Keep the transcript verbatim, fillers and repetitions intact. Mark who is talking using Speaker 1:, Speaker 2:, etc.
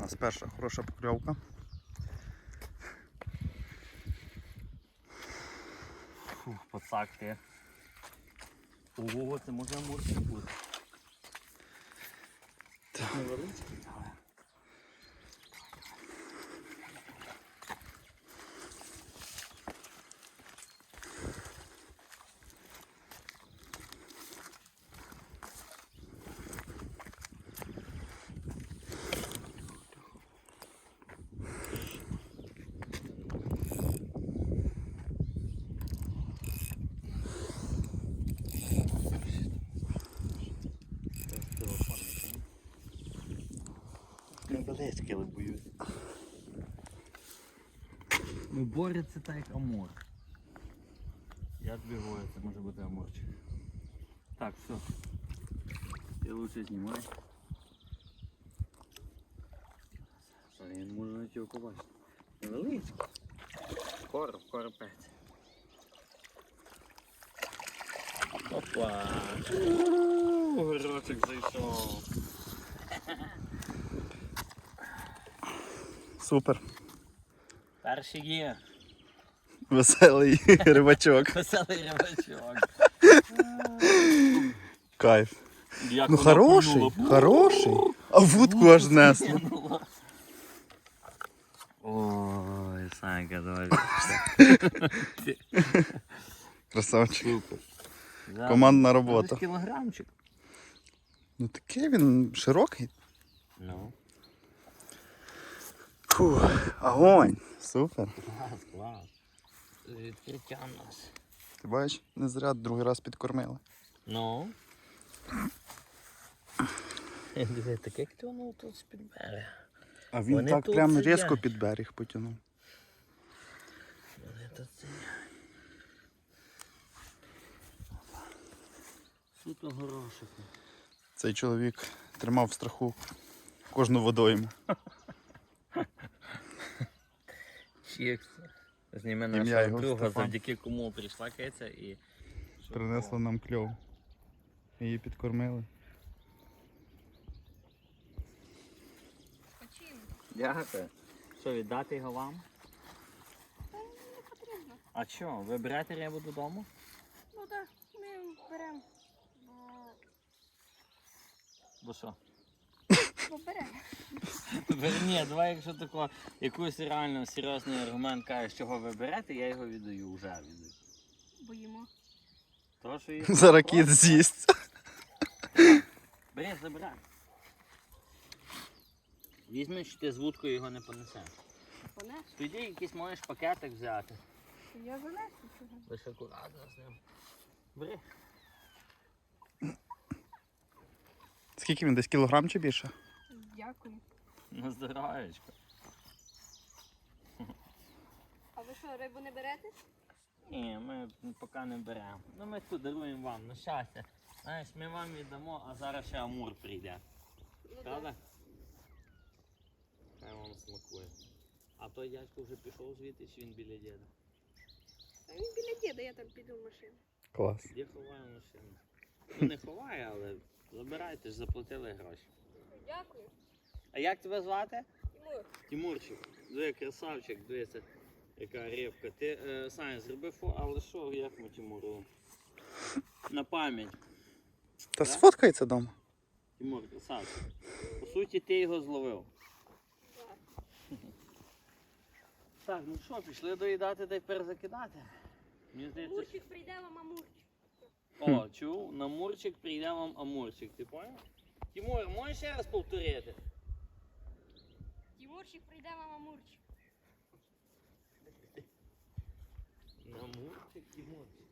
Speaker 1: нас перша хороша покльовка.
Speaker 2: Фух, пацак ти. Ого, це може амурчик бути.
Speaker 1: Так.
Speaker 2: Невеличкий, але. Невеличкий, але боюсь. Ну, бореться так як амур. Я тобі говорю, це може бути амурчик. Так, все. Ти лучше знімай. Що, він може навіть його побачити. Невеличкий. Короб, коропець. Опа! Ууу, горочок зайшов.
Speaker 1: Супер.
Speaker 2: Перший є.
Speaker 1: Веселий рибачок.
Speaker 2: Веселий рибачок.
Speaker 1: Кайф.
Speaker 2: Як
Speaker 1: Ну
Speaker 2: вона
Speaker 1: хороший,
Speaker 2: пульнула.
Speaker 1: хороший. А вудку аж знесло.
Speaker 2: Кинула. Ой, Санька, давай.
Speaker 1: Красавчик.
Speaker 2: Супер.
Speaker 1: Командна
Speaker 2: Десь
Speaker 1: робота.
Speaker 2: кілограмчик.
Speaker 1: Ну такий він широкий.
Speaker 2: Ну.
Speaker 1: Фух, огонь. Супер.
Speaker 2: Клас, клас. Відкриття в нас.
Speaker 1: Ти бачиш, не зря другий раз підкормили.
Speaker 2: Ну. Диви, таке як ти воно тут з-під берега.
Speaker 1: А він
Speaker 2: Вони
Speaker 1: так
Speaker 2: тут
Speaker 1: прям
Speaker 2: сидять.
Speaker 1: різко під берег потягнув.
Speaker 2: Вони тут сидять. Суто горошок.
Speaker 1: Цей чоловік тримав в страху кожну водойму.
Speaker 2: Чікс. Зніме
Speaker 1: Ім'я
Speaker 2: нашого
Speaker 1: його
Speaker 2: друга,
Speaker 1: Стефан.
Speaker 2: завдяки кому прийшла киця і...
Speaker 1: Принесла нам кльов. Її підкормили.
Speaker 2: Дякую. Що, віддати його вам?
Speaker 3: Та не потрібно.
Speaker 2: А що, ви берете рибу додому?
Speaker 3: Ну так, ми беремо. Бо...
Speaker 2: Бо що?
Speaker 3: Бо беремо.
Speaker 2: Бер- Ні, давай, якщо тако, якийсь реально серйозний аргумент кажеш, чого ви берете, я його віддаю, вже віддаю.
Speaker 3: Боїмо.
Speaker 2: То, що їх
Speaker 1: Зараз кіт з'їсть.
Speaker 2: Бери, забирай. Візьми, що ти з вудкою його не понесеш.
Speaker 3: Понесу.
Speaker 2: Тоді якийсь можеш пакетик взяти.
Speaker 3: Я занесу чого.
Speaker 2: Лише акуратно з ним. Бери.
Speaker 1: Скільки він? Десь кілограм чи більше?
Speaker 3: Дякую.
Speaker 2: На здоров'ячко.
Speaker 3: А ви що, рибу не берете?
Speaker 2: Ні, ми поки не беремо. Ну ми тут даруємо вам на щастя. Знаєш, ми вам віддамо, а зараз ще амур прийде.
Speaker 3: Ну,
Speaker 2: Правда? Хай вам смакує. А той дядько вже пішов звідти, чи він біля діда?
Speaker 3: А він біля діда, я там піду в машину.
Speaker 1: Клас.
Speaker 2: Де ховає машину? Ну не ховає, але забирайте ж, заплатили гроші.
Speaker 3: Дякую.
Speaker 2: А як тебе звати?
Speaker 3: Тимур.
Speaker 2: Тимурчик. Диви, красавчик, дивися, яка рибка. Ти, е, Саня, зроби фо, але що, як ми Тимуру? На пам'ять.
Speaker 1: Та сфоткається вдома.
Speaker 2: Тимур, красавчик. По суті, ти його зловив.
Speaker 3: Так.
Speaker 2: Так, ну що, пішли доїдати та й перезакидати. Мені здається,
Speaker 3: Мурчик прийде вам, амурчик.
Speaker 2: о, чув, на мурчик прийде вам амурчик, ти поняв? Тимур, можеш ще раз повторити?
Speaker 3: Тимурчик прийде вам, амурчик.
Speaker 2: На мурчик, Тимурчик.